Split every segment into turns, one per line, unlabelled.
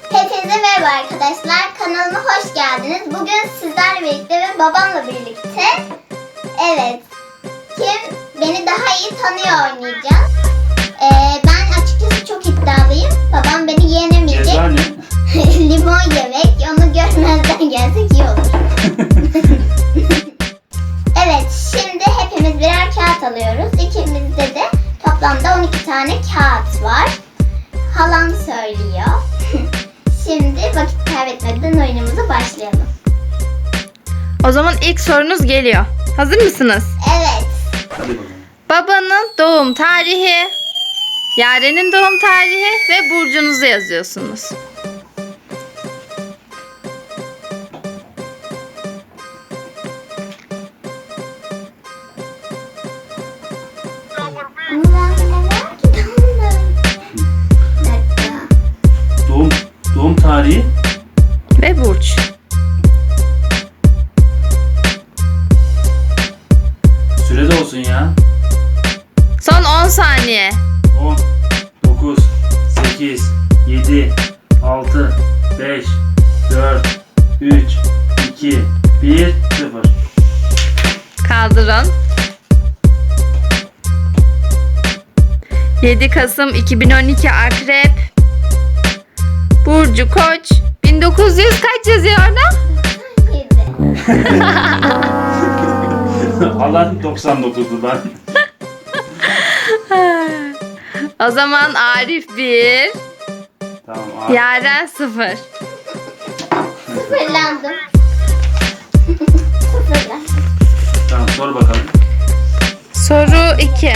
Hepinize merhaba arkadaşlar. Kanalıma hoş geldiniz. Bugün sizlerle birlikte ve babamla birlikte kim beni daha iyi tanıyor oynayacağız. Ben açıkçası çok iddialıyım. Babam beni yenemeyecek.
Ceza ne?
Limon yemek. Onu görmezden gelsek iyi olur. Şimdi hepimiz birer kağıt alıyoruz. İkimizde de toplamda 12 tane kağıt var. Halam söylüyor. Şimdi vakit kaybetmeden oyunumuza başlayalım.
O zaman ilk sorunuz geliyor. Hazır mısınız?
Evet.
Hadi bakalım.
Babanın doğum tarihi, Yaren'in doğum tarihi ve burcunuzu yazıyorsunuz.
Doğum tarihi.
Ve burç.
Sürede olsun ya.
Son 10 saniye.
10, 9, 8, 7, 6, 5, 4, 3, 2, 1, 0.
Kaldırın. 7 Kasım 2012 Akrep. Burcu Koç. 1900 kaç yazıyor orada?
7.
Alan 99'du ben.
O zaman Arif 1,
Tamam abi.
Yaren 0.
Sıfırlandım. Sıfırlandım.
Tamam sor bakalım.
Soru 2.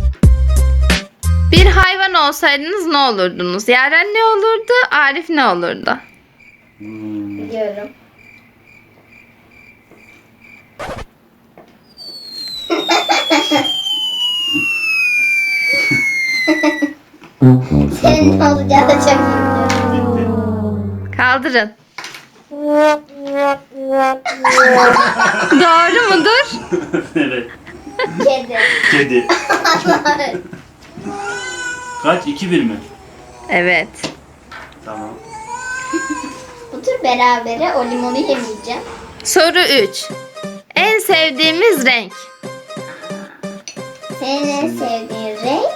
Bir hayvan olsaydınız ne olurdunuz? Yaren ne olurdu? Arif ne olurdu?
Biliyorum. Senin ne olacağı da çok iyi biliyorum.
Kaldırın. Doğru mudur?
Evet.
Kedi.
Kedi. Kaç? 2-1 mi?
Evet.
Tamam.
Bu tür berabere o limonu yemeyeceğim.
Soru 3. En sevdiğimiz renk?
Senin en sevdiğin renk?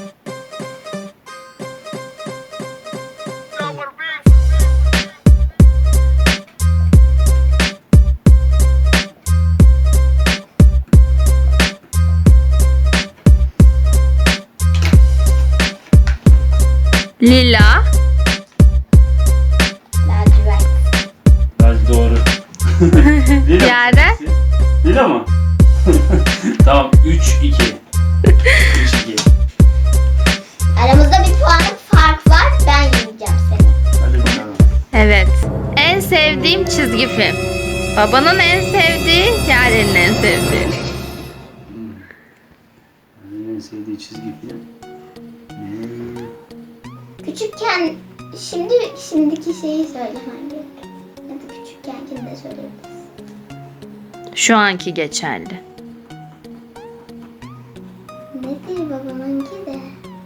Lila.
Lacivert.
Hadi doğru. Lila mı?
Yaren?
Lila mı? Tamam 3-2. 3-2.
Aramızda bir puanlık fark var. Ben yeneceğim seni.
Hadi bakalım.
Evet. En sevdiğim çizgi film. Babanın en sevdiği, Yaren'in en sevdiği.
En sevdiği çizgi film.
Küçükken şimdiki şeyi söylemen gerek. Ya da küçükkenkini de söyleyebiliriz.
Şu anki geçerli.
Nedir babamınki de?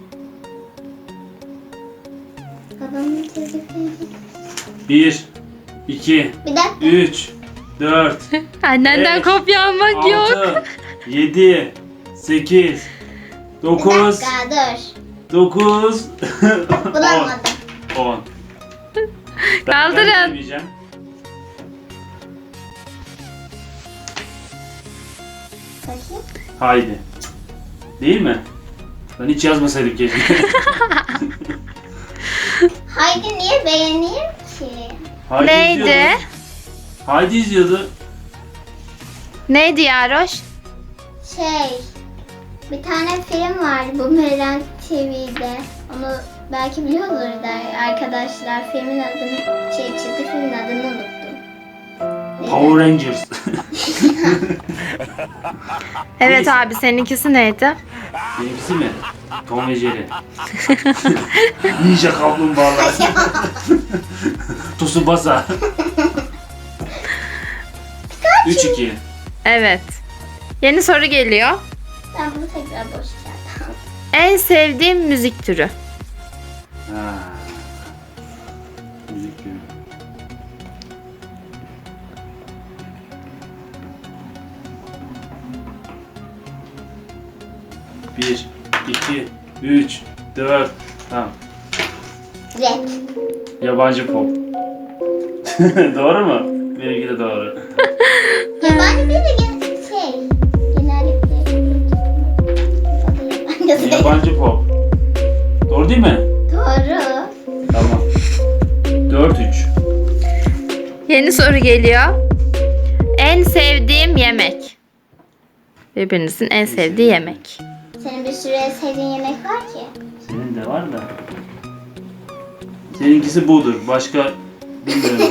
Babamın çizgi filmi.
1, 2,
Bir dakika.
3, 4,
Annenden
Beş,
kopya almak yok.
6, 7, 8,
Bir
9,
dakika dur.
9,
Bulamadım.
10.
Kaldırın.
Bakayım.
Haydi. Değil mi? Ben hiç yazmasaydım keşke.
Haydi niye beğeneyim ki?
Haydi
Neydi?
izliyordu. Haydi izliyordu.
Neydi Yaroş?
Bir tane film vardı bu Meral TV'de. Onu belki biliyordur da arkadaşlar. Filmin adını, çizgi filmin adını unuttum. Neydi?
Power Rangers.
Evet
Neyse.
abi seninkisi neydi?
Benimkisi mi? Tom ve Jerry. Ninja kaplumbağalar. Tsubasa. 3-2.
Evet. Yeni soru geliyor.
Ben bunu tekrar boş kağıt aldım.
En sevdiğim müzik türü.
Ha. Müzik gibi. Bir, iki, üç, dört. Tamam.
Rap.
Yabancı pop. Doğru mu? Benimki de doğru.
Yabancı değil de genellikle yabancı.
Yabancı pop. Doğru değil mi?
Doğru.
Tamam. 4-3.
Yeni soru geliyor. En sevdiğim yemek. Birbirinizin en sevdiği yemek.
Senin bir sürü en sevdiğin yemek var ki.
Senin de var da. Seninkisi budur. Başka bilmiyorum.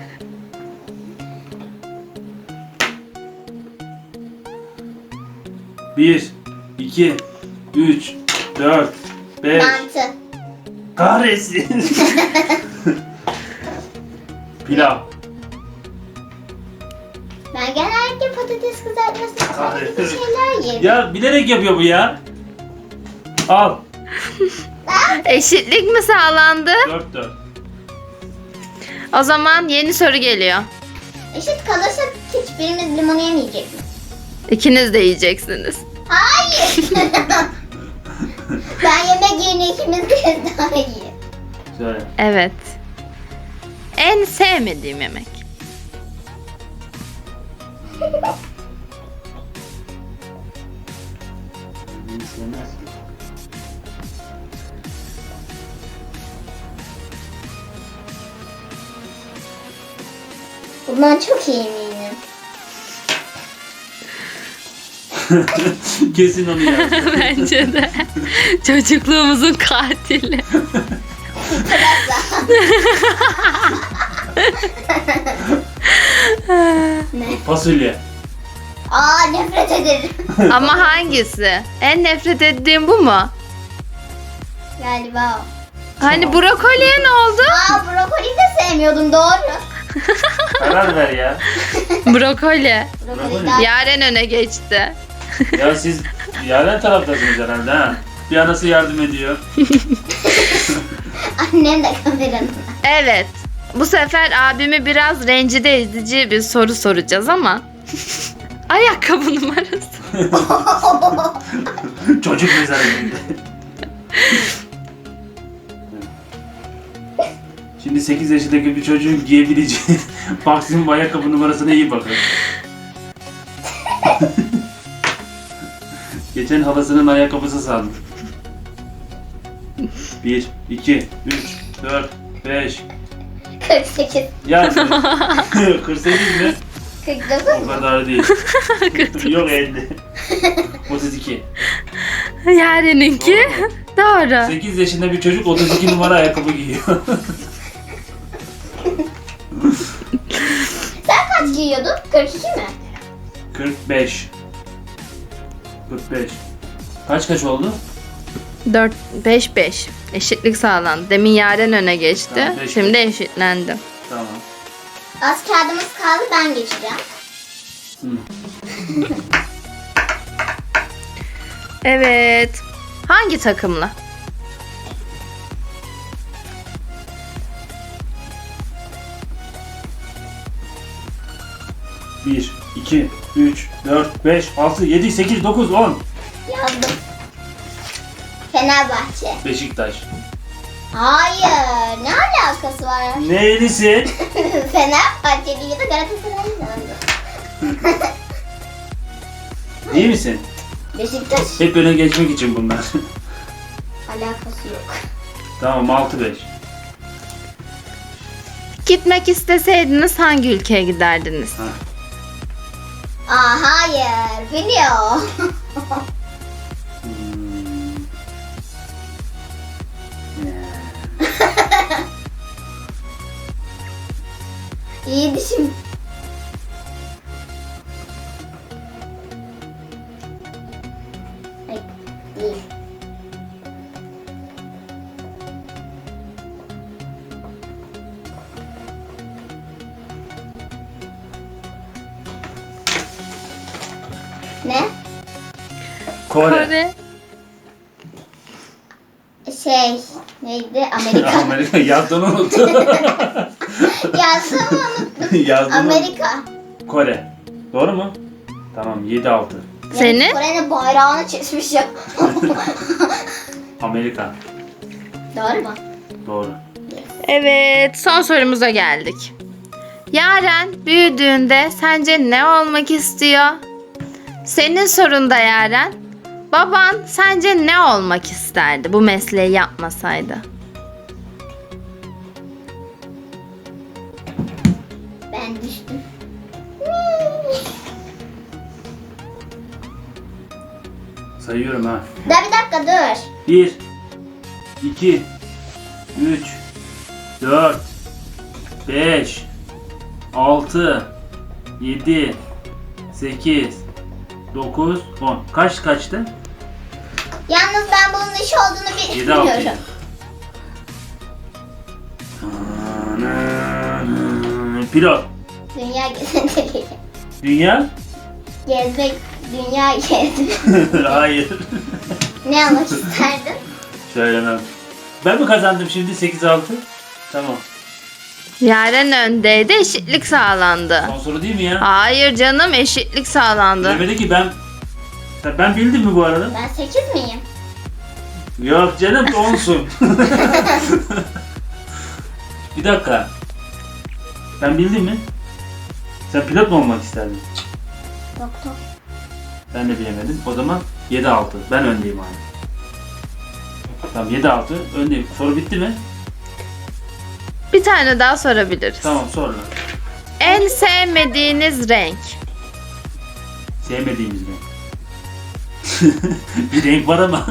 Bir, iki, üç, dört, beş.
Mantı.
Kahretsin. Pilav.
Ben genellikle patates kızartması
Kahretsin.
gibi şeyler yerim.
Ya bilerek yapıyor bu ya. Al.
Eşitlik mi sağlandı?
4-4.
O zaman yeni soru geliyor.
Eşit kalırsa hiçbirimiz limonu yemeyecek mi?
İkiniz de yiyeceksiniz.
Hayır. Ben yemek yerine ikimiz de daha iyi.
Söyle.
Evet. En sevmediğim yemek.
Beni sevmezsin.
Bundan çok iyi eminim.
Kesin onu yaptı.
Bence de. Çocukluğumuzun katili.
Ne?
Fasulye.
Aa, nefret ederim.
Ama hangisi? En nefret ettiğim bu mu?
Galiba o.
Hani brokoliye ne oldu?
Aa, brokoli de sevmiyordum, doğru.
Karar ver ya.
Brokoli.
Brokoli daha...
Yaren öne geçti.
Ya siz Yaren taraftasınız herhalde ha. Bir anası yardım ediyor.
Annem de kameranın.
Evet. Bu sefer abimi biraz rencide edici bir soru soracağız ama. Ayakkabı numarası.
Çocuk mezarı gibi. Şimdi 8 yaşındaki bir çocuğun giyebileceği maksimum ayakkabı numarasına iyi bakın. Geçen halasının ayakkabısı sandım. 1, 2, 3, 4, 5.
48.
Ya 48 mi?
49
O
mu?
kadar değil. Yok 50. 32.
Yaren'inki. Doğru.
8 yaşında bir çocuk 32 numara ayakkabı giyiyor.
Sen kaç giyiyordun? 42 mi?
45. 45. Kaç oldu?
4 5 5. Eşitlik sağlandı. Demin Yaren öne geçti.
Tamam, 5-5.
Şimdi eşitlendi.
Tamam.
Az kağıdımız kaldı, ben geçeceğim.
Hı.
Evet. Hangi takımla?
Bir, iki, üç, dört, beş, altı, yedi, sekiz, dokuz, 10.
Yazdım. Fenerbahçe.
Beşiktaş.
Hayır, ne alakası var?
Neylisin?
Fenerbahçeli ya da Galatasaraylı sandım.
İyi misin?
Beşiktaş
Hep öne geçmek için bunlar.
alakası yok.
Tamam 6-5.
Gitmek isteseydiniz hangi ülkeye giderdiniz?
Ha.
Aa, hayır, biliyor.
Hmm.
İyi düşün. Ay, değil. Ne?
Kore.
Kore.
Şey, Neydi? Amerika.
Amerika yazdığını unuttum.
Yazdım unuttum.
Yazdığını
Amerika.
Kore. Doğru mu? Tamam 7-6.
Senin?
Kore'nin bayrağını çizmiş ya.
Amerika.
Doğru mu?
Doğru.
Evet, son sorumuza geldik. Yaren büyüdüğünde sence ne olmak istiyor? Senin sorun da Yaren. Baban sence ne olmak isterdi bu mesleği yapmasaydı?
Ben düştüm.
Sayıyorum ha.
Da bir dakika dur.
1 2 3 4 5 6 7 8 9 10. Kaçtı?
Yalnız ben bunun iş olduğunu
7-6.
bilmiyorum.
Pilot.
Dünya gezmek.
Dünya?
Gezmek. Dünya gezmek.
Hayır.
Ne olmak isterdin?
Söylemem. Ben mi kazandım şimdi 8-6? Tamam.
Yaren öndeydi, eşitlik sağlandı.
Son soru değil mi ya?
Hayır canım, eşitlik sağlandı.
Demedi ki ben bildim mi bu arada?
Ben 8 miyim?
Yok canım 10'sun. Bir dakika. Ben bildim mi? Sen pilot mu olmak isterdin?
Doktor.
Ben de bilemedim. O zaman 7-6. Ben öndeyim abi. Tamam 7-6 öndeyim. Soru bitti mi?
Bir tane daha sorabiliriz.
Tamam sonra.
En sevmediğiniz renk?
Sevmediğimiz renk. Bir renk var ama.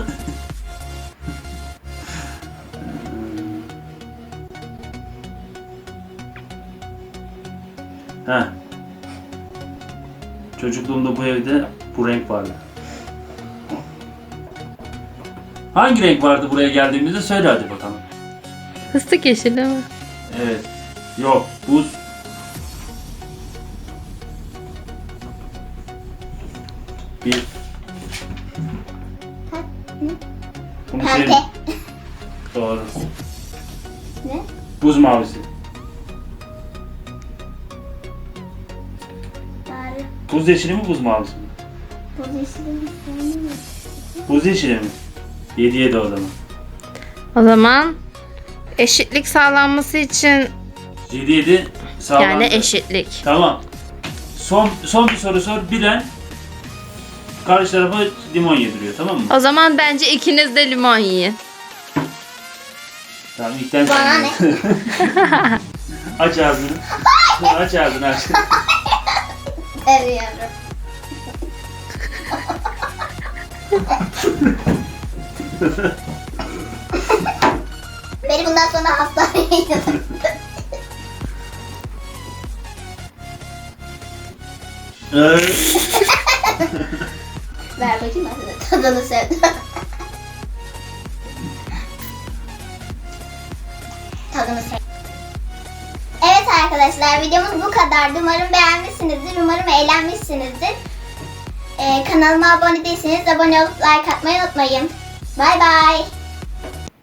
Ha. Çocukluğumda bu evde bu renk vardı. Hangi renk vardı buraya geldiğimizde söyle hadi bakalım.
Fıstık yeşili mi?
Evet. Yok. Buz. Bir. Bunu
Pembe.
sev- Doğru.
Ne?
Buz mavisi.
Bari.
Buz yeşili mi buz mavisi mi?
Bu yeşilin sevmiyorum.
Buz yeşili mi? 7-7 o zaman.
O zaman eşitlik sağlanması için
7-7 sağlandı.
yani eşitlik.
Tamam. Son bir soru sor. Bilen karşı tarafa limon yediriyor, tamam mı?
O zaman bence ikiniz de limon yiyin.
Tamam ilkten
Bana
sen
ne?
ye. Aç ağzını. Aç ağzını aç.
Seviyorum. Beni bundan sonra hastaneye yatırın. Ver bakayım ben sana tadını sevdim. Tadını sevdim. Evet arkadaşlar videomuz bu kadardı. Umarım beğenmişsinizdir. Umarım eğlenmişsinizdir. Kanalıma abone değilseniz abone olup like atmayı unutmayın. Bay bay.